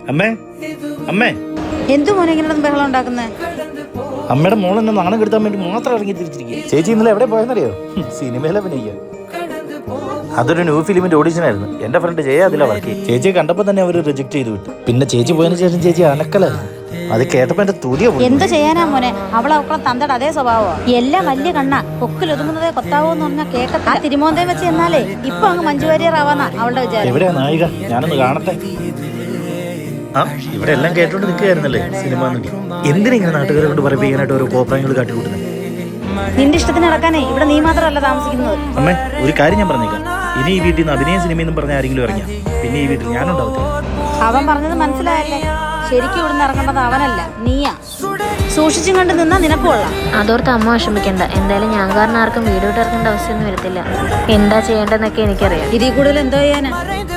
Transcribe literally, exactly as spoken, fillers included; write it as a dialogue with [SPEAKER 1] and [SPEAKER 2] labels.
[SPEAKER 1] അമ്മേ അമ്മേ
[SPEAKER 2] എന്തു മോനെ ഇങ്ങനെ ബഹളം ഉണ്ടാക്കുന്നേ?
[SPEAKER 1] അമ്മയുടെ മോൾ എന്നെ നാണം കെടുത്താൻ വേണ്ടി മാത്രം ഇറങ്ങി തിരിച്ചിരിക്കുക. ചേച്ചി ഇന്നലെ എവിടെ പോയെന്നറിയോ? സിനിമയിലെ അഭിനയിക്കാൻ. അതൊരു ന്യൂ ഫിലിമിന്റെ ഓഡിഷൻ ആയിരുന്നു. എന്റെ ഫ്രണ്ട് ജയ അതിലാ വർക്ക്. ചേച്ചിയെ കണ്ടപ്പോൾ തന്നെ അവർ റിജക്ട് ചെയ്ത് വിട്ടു. പിന്നെ ചേച്ചി പോയതിനു ശേഷം ചേച്ചി അനക്കലായിരുന്നു. അത് കേട്ടപ്പോ എന്റെ തുതിയ പോയി.
[SPEAKER 2] എന്ത് ചെയ്യാനാ മോനെ, അവളെ അവക്കളെ തന്തയുടെ അതേ സ്വഭാവോ. എല്ലാം വലിയ കണ്ണ കൊക്കിൽ ഒതുങ്ങുന്നതേ കൊത്താവോ എന്ന് പറഞ്ഞാൽ കേൾക്കത്ത. ആ തിരുമോന്തയം വെച്ച് എന്നാലേ ഇപ്പൊ അങ്ങ് മഞ്ജു വാര്യറാവാന്നാ അവളുടെ വിചാരം.
[SPEAKER 1] എവിടെയാ നായിക? ഞാനൊന്ന് കാണട്ടെ. ആ ഇവിടെ എല്ലാം കേട്ടോണ്ട് നിൽക്കുകയായിരുന്നല്ലേ സിനിമ നടി. എന്തിനാ നാട്ടുകാരെ കൊണ്ട് പറയിപ്പിക്കാനായിട്ട് ഓരോ കോപ്രായങ്ങൾ കാട്ടിക്കൂട്ടുന്നത്?
[SPEAKER 2] നിന്റെ ഇഷ്ടത്തിന് നടക്കാനേ ഇവിടെ നീ മാത്രമല്ല താമസിക്കുന്നത്.
[SPEAKER 1] അമ്മേ ഒരു കാര്യം ഞാൻ പറഞ്ഞേക്കാം. ഇനി ഈ വീട്ടിൽ നിന്ന് അഭിനയ സിനിമയെന്നും പറഞ്ഞ ആരെങ്കിലും ഇറങ്ങിയ പിന്നെ ഈ വീട്ടിൽ ഞാനുണ്ടാവത്തില്ല.
[SPEAKER 2] അവൻ പറഞ്ഞത് മനസ്സിലായല്ലേ? ശരിക്കും ഇവിടുന്ന് ഇറങ്ങേണ്ടത് അവനല്ല, നീയാ. സൂക്ഷിച്ചും കണ്ട് നിന്നാ നിനക്കുള്ള.
[SPEAKER 3] അതോർത്ത് അമ്മ വിഷമിക്കണ്ട. എന്തായാലും ഞാൻ കാരണം ആർക്കും വീഡിയോ ഇറക്കേണ്ട അവസ്ഥയൊന്നും വരത്തില്ല. എന്താ ചെയ്യേണ്ടതെന്നൊക്കെ എനിക്കറിയാം.
[SPEAKER 2] ഇതിൽ കൂടുതൽ എന്തോ ചെയ്യാനാ?